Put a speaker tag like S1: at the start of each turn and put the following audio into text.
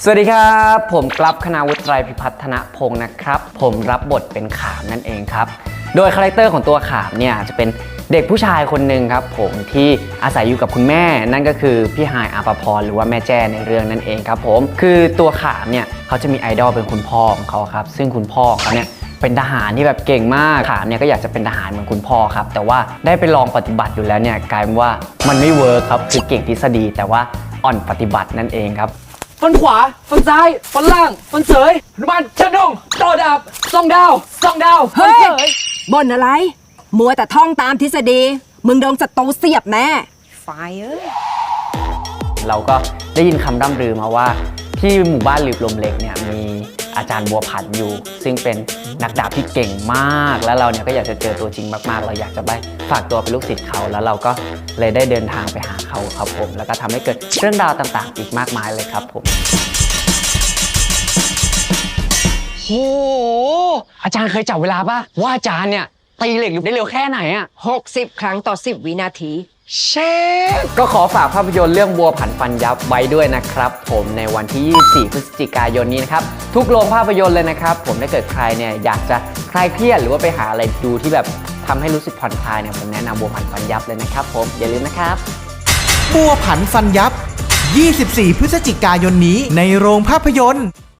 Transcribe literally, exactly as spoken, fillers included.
S1: สวัสดีครับผมกลับคณาวุฒิไตรพิพัฒนพงศ์นะครับผมรับบทเป็นขามนั่นเองครับโดยคาแรคเตอร์ของตัวขามเนี่ยจะเป็นเด็กผู้ชายคนหนึ่งครับผมที่อาศัยอยู่กับคุณแม่นั่นก็คือพี่ฮายอาภพรหรือว่าแม่แจ้ในเรื่องนั่นเองครับผมคือตัวขามเนี่ยเขาจะมีไอดอลเป็นคุณพ่อของเขาครับซึ่งคุณพ่อเขาเนี่ยเป็นทหารที่แบบเก่งมากขามเนี่ยก็อยากจะเป็นทหารเหมือนคุณพ่อครับแต่ว่าได้ไปลองปฏิบัติอยู่แล้วเนี่ยกลายเป็นว่ามันไม่เวิร์คครับคือเก่งทฤษฎีแต่ว่าอ่อนปฏิบัตินั่นเองครับ
S2: ฟันขวาฟันซ้ายฟันล่างฟันเสยหนุมันเชิดดงโตดับซองดาวซองดาวฟันเสย
S3: บ่นอะไรมัวแต่ท่องตามทฤษฎีมึงโดนศัตรูเสียบแน่ไฟเอ้ย
S1: เราก็ได้ยินคำร่ำลือมาว่าที่หมู่บ้านหลืบลมเล็กเนี่ยมีอาจารย์บัวผันอยู่ซึ่งเป็นนักดาบที่เก่งมากแล้วเราเนี่ยก็อยากจะเจอตัวจริงมากๆเราอยากจะไปฝากตัวเป็นลูกศิษย์เขาแล้วเราก็เลยได้เดินทางไปหาเขาครับผมแล้วก็ทำให้เกิดเรื่องราวต่างๆอีกมากมายเลยครับผมโอ้อาจารย์เคยจับเวลาป่ะว่าอาจารย์เนี่ยตีเหล็กได้เร็วแค่ไหนอะ
S3: หกสิบครั้งต่อสิบวินาที
S1: เชฟก็ขอฝากภาพยนตร์เรื่องบัวผันฟันยับไว้ด้วยนะครับผมในวันที่ยี่สิบสี่พฤศจิกายนนี้นะครับทุกโรงภาพยนตร์เลยนะครับผมถ้าเกิดใครเนี่ยอยากจะคลายเครียดหรือว่าไปหาอะไรดูที่แบบทำให้รู้สึกผ่อนคลายเนี่ยผมแนะนำบัวผันฟันยับเลยนะครับผมอย่าลืมนะครับ
S4: บัวผันฟันยับยี่สิบสี่พฤศจิกายนนี้ในโรงภาพยนตร์